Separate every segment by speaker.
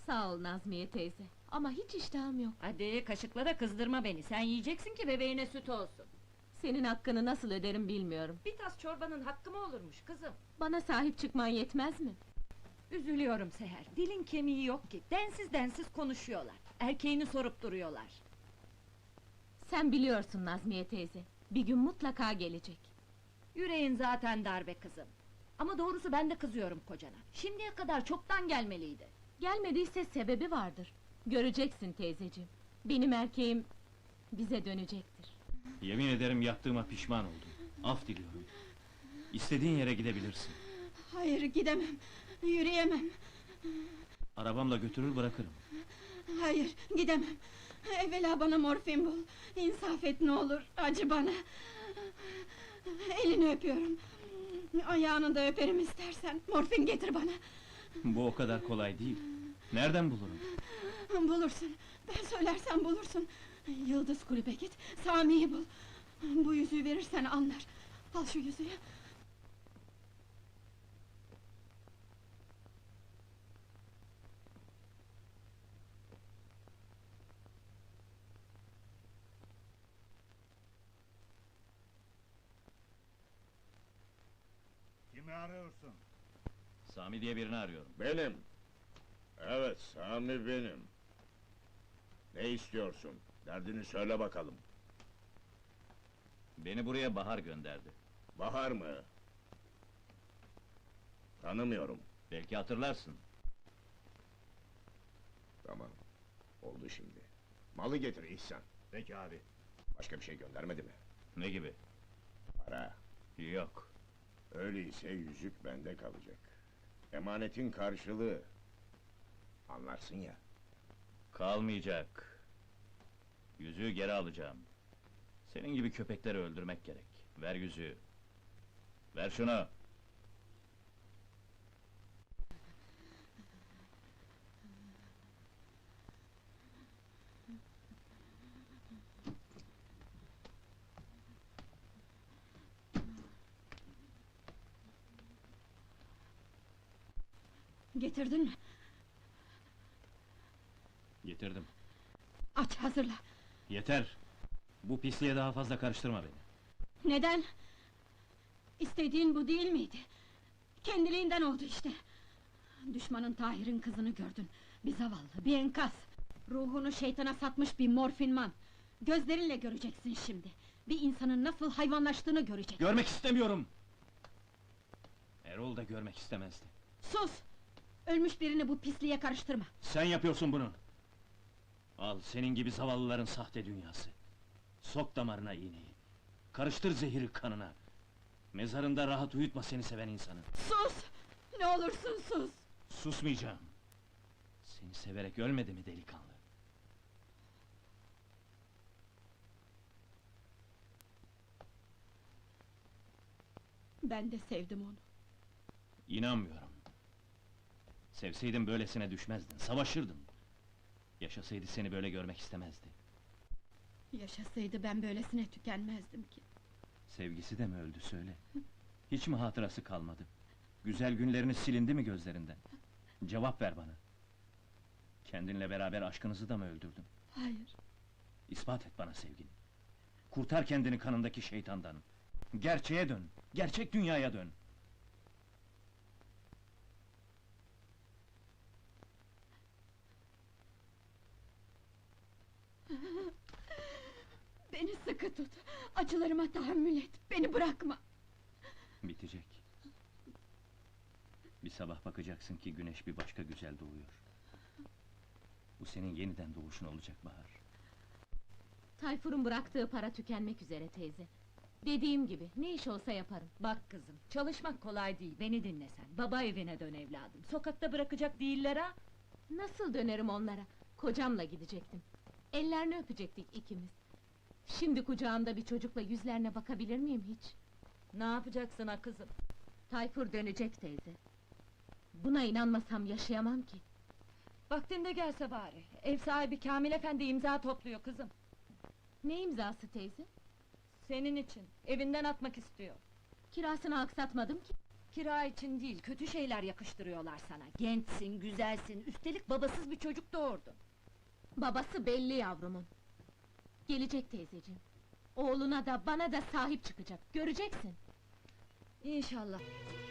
Speaker 1: Sağ ol Nazmiye teyze, ama hiç iştahım yok.
Speaker 2: Hadi kaşıkla da kızdırma beni, sen yiyeceksin ki bebeğine süt olsun.
Speaker 1: Senin hakkını nasıl öderim bilmiyorum.
Speaker 2: Bir tas çorbanın hakkı mı olurmuş kızım?
Speaker 1: Bana sahip çıkman yetmez mi?
Speaker 2: Üzülüyorum Seher, dilin kemiği yok ki, densiz densiz konuşuyorlar. Erkeğini sorup duruyorlar.
Speaker 1: Sen biliyorsun Nazmiye teyze, bir gün mutlaka gelecek.
Speaker 2: Yüreğin zaten darbe kızım. Ama doğrusu ben de kızıyorum kocana. Şimdiye kadar çoktan gelmeliydi.
Speaker 1: Gelmediyse sebebi vardır. Göreceksin teyzeciğim. Benim erkeğim bize dönecektir.
Speaker 3: Yemin ederim yaptığıma pişman oldum. Af diliyorum. İstediğin yere gidebilirsin.
Speaker 4: Hayır, gidemem, yürüyemem.
Speaker 3: Arabamla götürür bırakırım.
Speaker 4: Hayır, gidemem. Evvela bana morfin bul. İnsaf et ne olur, acı bana. Elini öpüyorum. Ayağını da öperim istersen. Morfin getir bana.
Speaker 3: Bu o kadar kolay değil. Nereden bulurum?
Speaker 4: Bulursun, ben söylersem bulursun. Yıldız kulübe git, Sami'yi bul. Bu yüzüğü verirsen anlar. Al şu yüzüğü.
Speaker 5: Kimi arıyorsun?
Speaker 3: Sami diye birini arıyorum.
Speaker 5: Benim. Evet, Sami benim. Ne istiyorsun? Derdini söyle bakalım.
Speaker 3: Beni buraya Bahar gönderdi.
Speaker 5: Bahar mı? Tanımıyorum.
Speaker 3: Belki hatırlarsın.
Speaker 5: Tamam. Oldu şimdi. Malı getir İhsan.
Speaker 6: Peki abi.
Speaker 5: Başka bir şey göndermedi mi?
Speaker 3: Ne gibi?
Speaker 5: Para.
Speaker 3: Yok.
Speaker 5: Öyleyse yüzük bende kalacak. Emanetin karşılığı. Anlarsın ya.
Speaker 3: Kalmayacak. Yüzüğü geri alacağım. Senin gibi köpekleri öldürmek gerek. Ver yüzüğü. Ver şunu.
Speaker 4: Getirdin mi?
Speaker 3: Getirdim.
Speaker 4: Aç, hazırla.
Speaker 3: Yeter! Bu pisliğe daha fazla karıştırma beni.
Speaker 4: Neden? İstediğin bu değil miydi? Kendiliğinden oldu işte. Düşmanın Tahir'in kızını gördün. Bir zavallı, bir enkaz. Ruhunu şeytana satmış bir morfinman. Gözlerinle göreceksin şimdi. Bir insanın nasıl hayvanlaştığını göreceksin.
Speaker 3: Görmek istemiyorum! Erol da görmek istemezdi.
Speaker 4: Sus! Ölmüş birini bu pisliğe karıştırma.
Speaker 3: Sen yapıyorsun bunu! Al senin gibi zavallıların sahte dünyası. Sok damarına iğneyi. Karıştır zehiri kanına. Mezarında rahat uyutma seni seven insanı.
Speaker 4: Sus! Ne olursun sus!
Speaker 3: Susmayacağım. Seni severek ölmedi mi delikanlı?
Speaker 4: Ben de sevdim onu.
Speaker 3: İnanmıyorum. Sevseydin böylesine düşmezdin, savaşırdın. Yaşasaydı seni böyle görmek istemezdi.
Speaker 4: Yaşasaydı ben böylesine tükenmezdim ki.
Speaker 3: Sevgisi de mi öldü söyle? Hiç mi hatırası kalmadı? Güzel günlerini silindi mi gözlerinden? Cevap ver bana. Kendinle beraber aşkınızı da mı öldürdün?
Speaker 4: Hayır.
Speaker 3: İspat et bana sevgini. Kurtar kendini kanındaki şeytandan. Gerçeğe dön, gerçek dünyaya dön.
Speaker 4: Beni sıkı tut. Acılarıma tahammül et. Beni bırakma.
Speaker 3: Bitecek. Bir sabah bakacaksın ki güneş bir başka güzel doğuyor. Bu senin yeniden doğuşun olacak Bahar.
Speaker 1: Tayfur'un bıraktığı para tükenmek üzere teyze. Dediğim gibi, ne iş olsa yaparım.
Speaker 2: Bak kızım, çalışmak kolay değil, beni dinle sen. Baba evine dön evladım, sokakta bırakacak değiller ha!
Speaker 1: Nasıl dönerim onlara? Kocamla gidecektim. Ellerini öpecektik ikimiz. Şimdi kucağımda bir çocukla yüzlerine bakabilir miyim hiç?
Speaker 2: Ne yapacaksın ha kızım?
Speaker 1: Tayfur dönecek teyze. Buna inanmasam yaşayamam ki.
Speaker 2: Vaktinde gelse bari, ev sahibi Kamil Efendi imza topluyor kızım.
Speaker 1: Ne imzası teyze?
Speaker 2: Senin için, evinden atmak istiyor.
Speaker 1: Kirasını aksatmadım ki.
Speaker 2: Kira için değil, kötü şeyler yakıştırıyorlar sana. Gençsin, güzelsin, üstelik babasız bir çocuk doğurdun.
Speaker 1: Babası belli yavrumun. Gelecek teyzeciğim. Oğluna da bana da sahip çıkacak, göreceksin.
Speaker 2: İnşallah.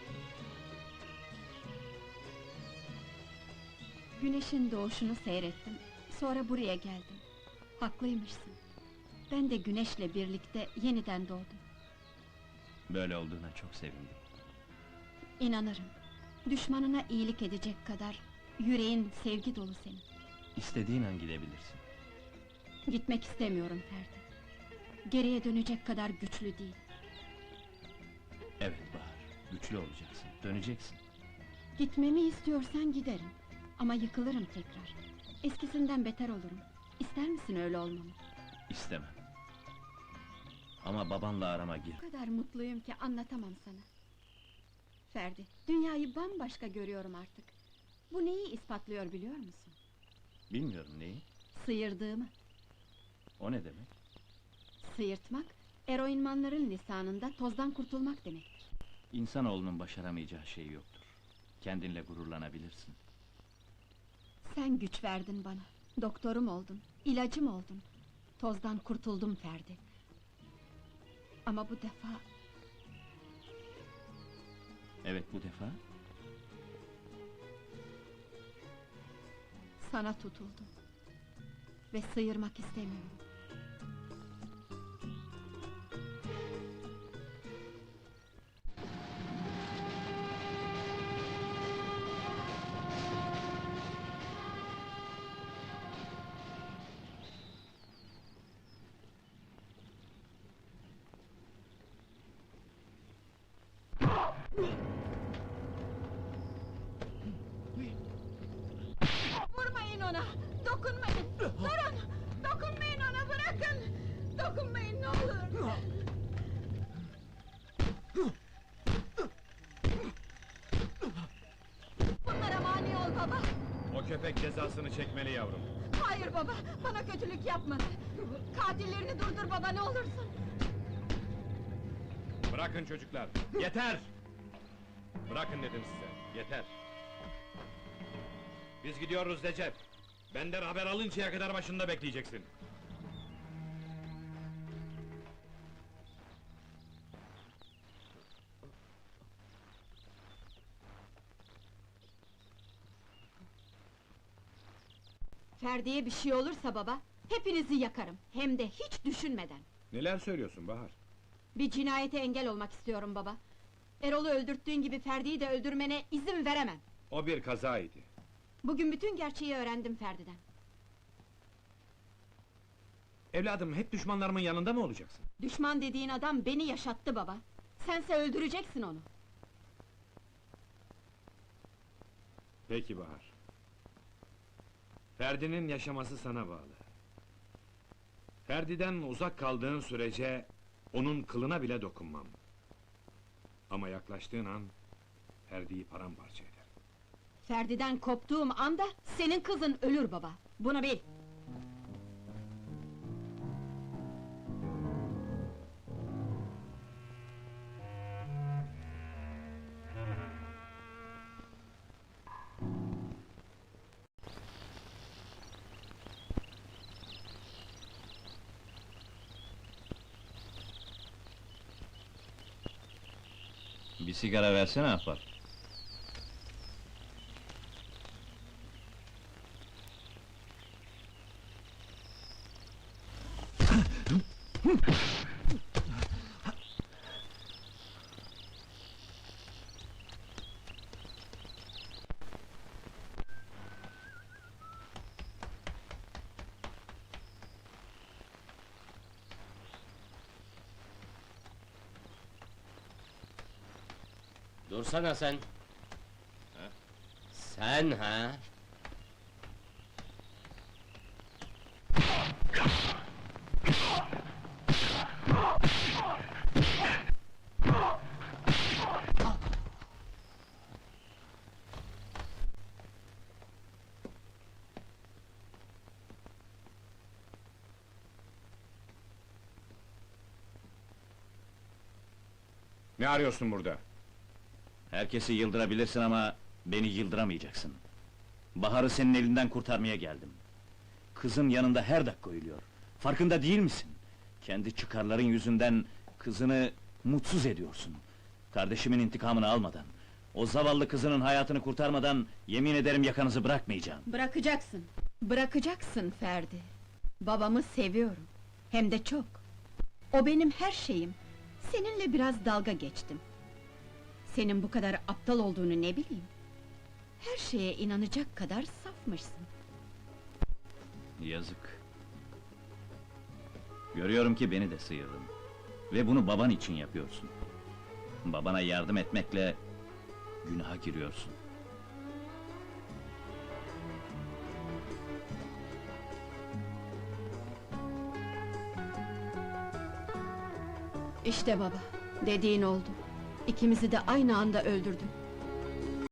Speaker 4: Güneşin doğuşunu seyrettim. Sonra buraya geldim. Haklıymışsın. Ben de güneşle birlikte yeniden doğdum.
Speaker 3: Böyle olduğuna çok sevindim.
Speaker 4: İnanırım. Düşmanına iyilik edecek kadar yüreğin sevgi dolu senin.
Speaker 3: İstediğin an gidebilirsin.
Speaker 4: Gitmek istemiyorum Ferdi. Geriye dönecek kadar güçlü değil.
Speaker 3: Evet Bahar, güçlü olacaksın, döneceksin.
Speaker 4: Gitmemi istiyorsan giderim. Ama yıkılırım tekrar. Eskisinden beter olurum. İster misin öyle olmamı?
Speaker 3: İstemem. Ama babanla arama gir.
Speaker 4: O kadar mutluyum ki anlatamam sana. Ferdi, dünyayı bambaşka görüyorum artık. Bu neyi ispatlıyor biliyor musun?
Speaker 3: Bilmiyorum neyi,
Speaker 4: Sıyırdığımı.
Speaker 3: o ne demek?
Speaker 4: Sıyırtmak, eroinmanların lisanında tozdan kurtulmak demektir.
Speaker 3: İnsanoğlunun başaramayacağı şey yoktur. Kendinle gururlanabilirsin.
Speaker 4: Sen güç verdin bana. Doktorum oldun, ilacım oldun. Tozdan kurtuldum Ferdi. Ama bu defa
Speaker 3: Evet, bu defa
Speaker 4: sana tutuldum. Ve sıyırmak istemiyorum. Vurmayın ona! Dokunmayın! Durun! Dokunmayın ona, bırakın! Dokunmayın ne olur! Bunlara mani ol baba!
Speaker 5: O köpek cezasını çekmeli yavrum.
Speaker 4: Hayır baba, bana kötülük yapmadı! Katillerini durdur baba, ne olursun!
Speaker 5: Bırakın çocuklar, yeter! Bırakın dedim size, yeter! Biz gidiyoruz Recep. Benden haber alıncaya kadar başında bekleyeceksin.
Speaker 4: Ferdi'ye bir şey olursa baba, hepinizi yakarım, hem de hiç düşünmeden!
Speaker 5: Neler söylüyorsun Bahar?
Speaker 4: Bir cinayete engel olmak istiyorum baba! Erol'u öldürttüğün gibi Ferdi'yi de öldürmene izin veremem!
Speaker 5: O bir kazaydı.
Speaker 4: Bugün bütün gerçeği öğrendim Ferdi'den.
Speaker 5: Evladım, hep düşmanlarımın yanında mı olacaksın?
Speaker 4: Düşman dediğin adam beni yaşattı baba! Sense öldüreceksin onu!
Speaker 5: Peki Bahar. Ferdi'nin yaşaması sana bağlı. Ferdi'den uzak kaldığın sürece onun kılına bile dokunmam. Ama yaklaştığın an Ferdi'yi paramparça eder.
Speaker 4: Ferdi'den koptuğum anda senin kızın ölür baba! Bunu bil!
Speaker 3: Bir sigara versene ahbap.
Speaker 6: Dursana sen! Sen ha?
Speaker 5: Ne arıyorsun burada?
Speaker 3: Herkesi yıldırabilirsin ama beni yıldıramayacaksın. Bahar'ı senin elinden kurtarmaya geldim. Kızın yanında her dakika ölüyor. Farkında değil misin? Kendi çıkarların yüzünden kızını mutsuz ediyorsun. Kardeşimin intikamını almadan, o zavallı kızının hayatını kurtarmadan yemin ederim yakanızı bırakmayacağım.
Speaker 4: Bırakacaksın. Bırakacaksın Ferdi. Babamı seviyorum. Hem de çok. O benim her şeyim. Seninle biraz dalga geçtim. Senin bu kadar aptal olduğunu ne bileyim. Her şeye inanacak kadar safmışsın.
Speaker 3: Yazık. Görüyorum ki beni de sıyırdın. Ve bunu baban için yapıyorsun. Babana yardım etmekle günaha giriyorsun.
Speaker 4: İşte baba, dediğin oldu. İkimizi de aynı anda öldürdün.